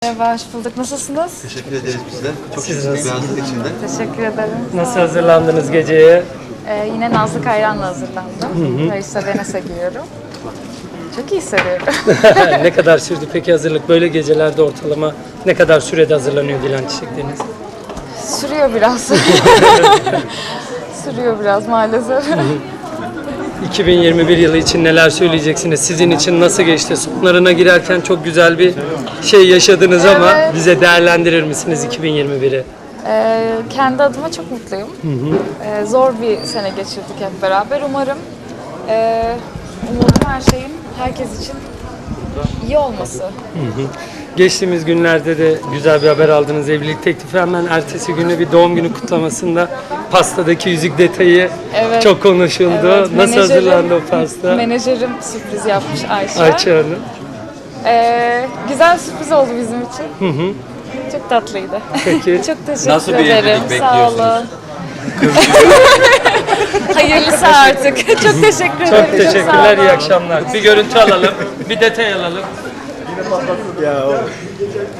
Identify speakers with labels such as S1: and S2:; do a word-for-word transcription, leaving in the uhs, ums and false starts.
S1: Merhaba, hoş bulduk. Nasılsınız?
S2: Teşekkür ederiz biz de. Çok
S3: Siz
S2: şık bir
S3: nasılsınız?
S2: beyazlık içinde.
S1: Teşekkür ederim.
S3: Nasıl hazırlandınız geceye?
S1: Ee, yine Nazlı Kayran'la hazırlandım. Raysa Venese giyiyorum. Çok iyi hissediyorum.
S3: Ne kadar sürdü peki hazırlık? Böyle gecelerde ortalama ne kadar sürede hazırlanıyor Dilan Çiçek Deniz?
S1: Sürüyor biraz. Sürüyor biraz maalesef.
S3: iki bin yirmi bir yılı için neler söyleyeceksiniz? Sizin için nasıl geçti? Sonlarına girerken çok güzel bir şey yaşadınız ama
S1: Evet.
S3: bize değerlendirir misiniz iki bin yirmi biri?
S1: Ee, kendi adıma çok mutluyum. Ee, zor bir sene geçirdik hep beraber. Umarım e, umudum her şeyin herkes için iyi olması.
S3: Geçtiğimiz günlerde de güzel bir haber aldınız. Evlilik teklifi hemen ertesi günü bir doğum günü kutlamasında pastadaki yüzük detayı
S1: Evet.
S3: çok konuşuldu.
S1: Evet,
S3: Nasıl
S1: menajerim-
S3: hazırlandı o pasta?
S1: Menajerim sürpriz yapmış Ayşe.
S3: Ayça Hanım.
S1: Ee, güzel sürpriz oldu bizim için. Çok tatlıydı.
S3: Peki.
S1: Çok teşekkür
S2: Nasıl bir
S1: ederim.
S2: evlilik
S1: Sağ
S2: bekliyorsunuz?
S1: olun. Hayırlısı artık. Çok teşekkür ederim.
S3: Çok teşekkürler,
S1: sağ
S3: iyi
S1: olun.
S3: akşamlar. Bir görüntü alalım, bir detay alalım.
S2: Ya o.